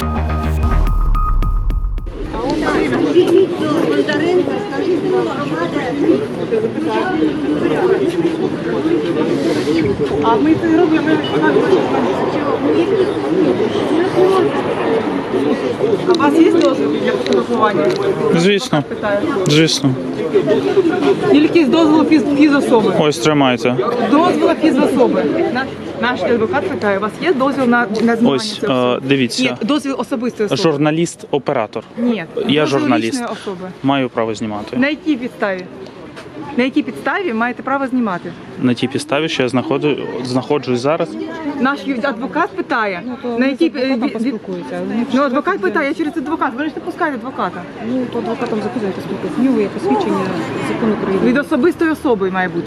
А ми це робимо. А у вас є дозвіл для фотографування? Звісно. Звісно. Тільки з дозволу фізособи. Ось, тримайте. Дозволу фізособи. Наш адвокат питає, у вас є дозвіл на знімання Ось, цієї особи? дивіться. Ні, дозвіл особистої особи. Журналіст-оператор. Ні, Я дозвіл журналіст. лічної особи. Маю право знімати. На якій підставі? На якій підставі маєте право знімати? На тій підставі, що я знаходжусь зараз. Наш адвокат питає, на якій поспілкуються. Ну, адвокат питає через адвокат. Ви ж не пускаєте адвоката. Ну, то адвокатом записуєте спілкуються. В нього є посвідчення закону України. Від особистої особи має бути.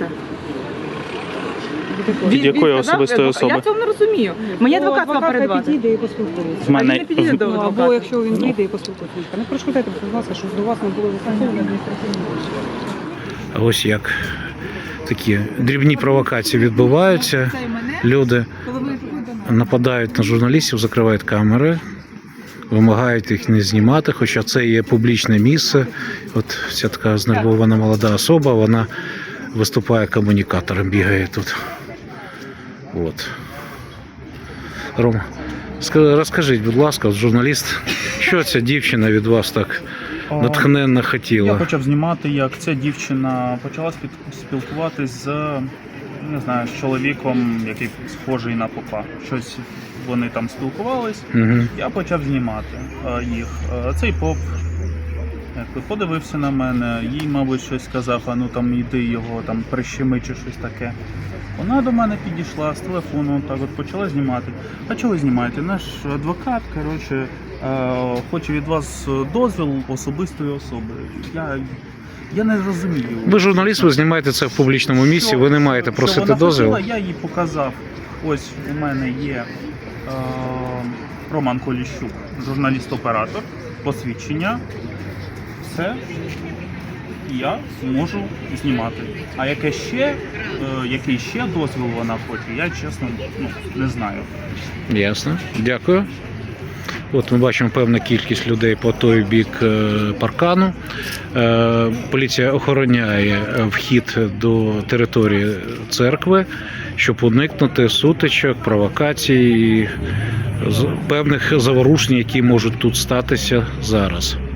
Від якої сказав, особистої особи? Я цього не розумію. Мені адвокат мав перед вами. підійде і поспілкується. В мене А він не підійде до Ну, адвоката. або якщо він прийде і поспілкується. Не перешкодайте, будь ласка, щоб до вас не було застосовано адміністративні. Ось як такі дрібні провокації відбуваються. Люди нападають на журналістів, закривають камери, вимагають їх не знімати, хоча це є публічне місце. От ця така знервована молода особа, вона виступає комунікатором, бігає тут. От. Рома, розкажіть, будь ласка, журналіст, що ця дівчина від вас так натхненно Я хотіла? почав знімати, як ця дівчина почала спілкуватись з, не знаю, з чоловіком, який схожий на попа. Щось вони там спілкувались. Угу. Я почав знімати їх. Цей поп якби подивився на мене, їй, мабуть, щось сказав, а ну там іди його там прищеми чи щось таке. Вона до мене підійшла з телефону, так от почала знімати. А чого ви знімаєте? Наш адвокат, коротше, хоче від вас дозвіл особистої особи. Я не розумію. Ви журналіст, ви знімаєте це в публічному місці, ви не маєте просити вона дозвіл. хотіла, я їй показав. Ось у мене є Роман Коліщук, журналіст-оператор, посвідчення. Все. Я можу знімати. А який ще дозвіл вона хоче, я чесно не знаю. Ясно. Дякую. От ми бачимо певну кількість людей по той бік паркану. Поліція охороняє вхід до території церкви, щоб уникнути сутичок, провокацій і певних заворушень, які можуть тут статися зараз.